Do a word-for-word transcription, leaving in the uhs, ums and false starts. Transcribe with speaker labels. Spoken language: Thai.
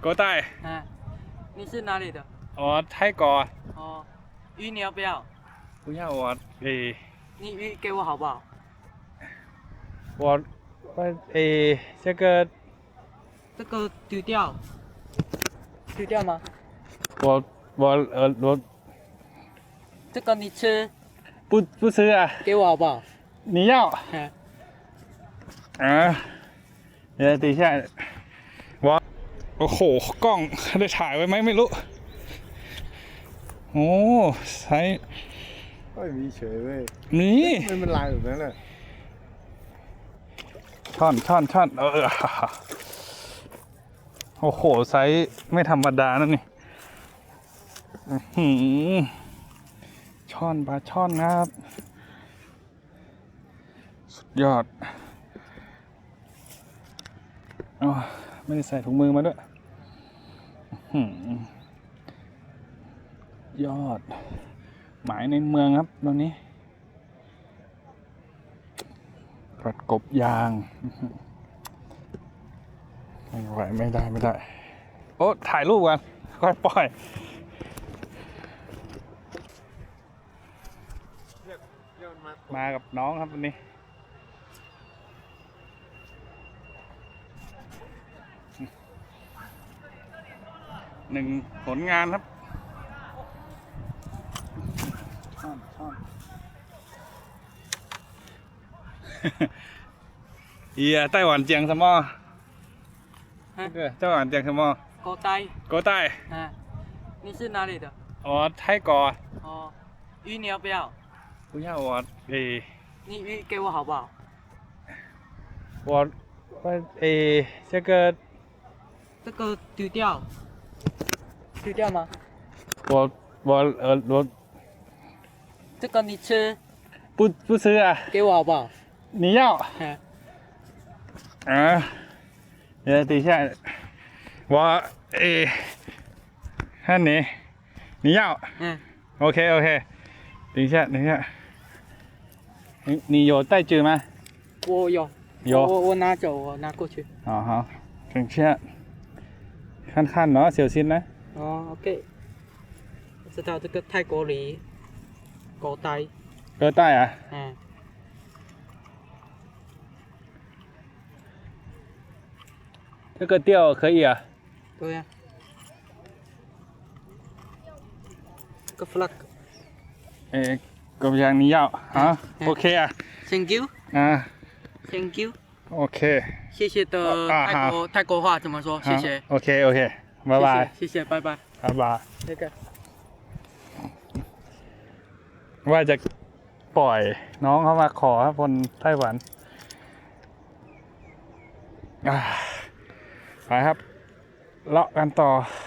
Speaker 1: 国代。
Speaker 2: 嗯，你是哪里的？
Speaker 1: 我泰国。
Speaker 2: 哦，鱼你要不要？
Speaker 1: 不要我诶，
Speaker 2: 你鱼给我好不好？
Speaker 1: 我我诶，这个
Speaker 2: 这个丢掉，丢掉吗？
Speaker 1: 我我呃我
Speaker 2: 这个你吃，
Speaker 1: 不不吃啊，
Speaker 2: 给我好不好？
Speaker 1: 你要
Speaker 2: 嗯，
Speaker 1: อ่าเดี๋ยวตีใช่ว่าโอ้โหกล้องได้ถ่ายไว้ไหมไม่รู้โอ้ใช้
Speaker 3: ไม่มีเฉยเว้ย
Speaker 1: นี่
Speaker 3: ไม่เป็นลายแบบนั้นแหละ
Speaker 1: ช่อนช่อนช่อนเออโอ้โหไซส์ไม่ธรรมดานะนี่อื้อหือช่อนปลาช่อนนะครับสุดยอดอ๋อไม่ได้ใส่ถุงมือมาด้วยอื้อหือยอดหมายในเมืองครับตอนนี้กระกบยางไม่ไหวไม่ได้ไม่ได้โอ้ถ่ายรูปกันค่อยปล่อยมากับน้องครับวันนี้หนึ่งผลงานครับช่อนช่อนเอียไต้หวันเจียงสมอไต้หวันเจียงสมอ
Speaker 2: 狗呆。
Speaker 1: โกใต้
Speaker 2: 嗯，你是哪里的？
Speaker 1: อ๋อไทยก่อ
Speaker 2: 哦，鱼你要不要？
Speaker 1: 不要我诶
Speaker 2: 你鱼给我好不好？
Speaker 1: 我我诶这个
Speaker 2: 这个丢掉，丢掉吗？
Speaker 1: 我我呃我
Speaker 2: 这个你吃，
Speaker 1: 不不吃啊
Speaker 2: 给我好不好？
Speaker 1: 你要
Speaker 2: 嗯，
Speaker 1: 啊呃等一下我诶看你你要
Speaker 2: 嗯，
Speaker 1: OK OK 等一下等一下你你有带纸吗
Speaker 2: 我有，
Speaker 1: 有
Speaker 2: 我我拿走，我拿过去。
Speaker 1: อ๋อฮะถึงเชื่อขั้นๆเนาะเสียวซินนะ
Speaker 2: 哦，OK，我知道这个泰国梨，狗呆。
Speaker 1: เกอใต้อ่ะ
Speaker 2: 嗯，
Speaker 1: 这个钓可以啊
Speaker 2: 对呀、这个 flag。
Speaker 1: เอ๊ะกบยางนี้ยาวฮะโอเคอ่ะ
Speaker 2: Thank you，
Speaker 1: อ่า
Speaker 2: Thank you，
Speaker 1: โอเค
Speaker 2: 谢谢的
Speaker 1: 啊
Speaker 2: 泰国泰国话怎么说？谢谢，
Speaker 1: โอเคโอเคบ๊ายบาย
Speaker 2: 谢谢，谢谢，拜拜。
Speaker 1: บ๊ายบาย
Speaker 2: 那个，
Speaker 1: ว่าจะปล่อยน้องเขามาขอครับคนไต้หวันอ่าไปครับเลาะกันต่อ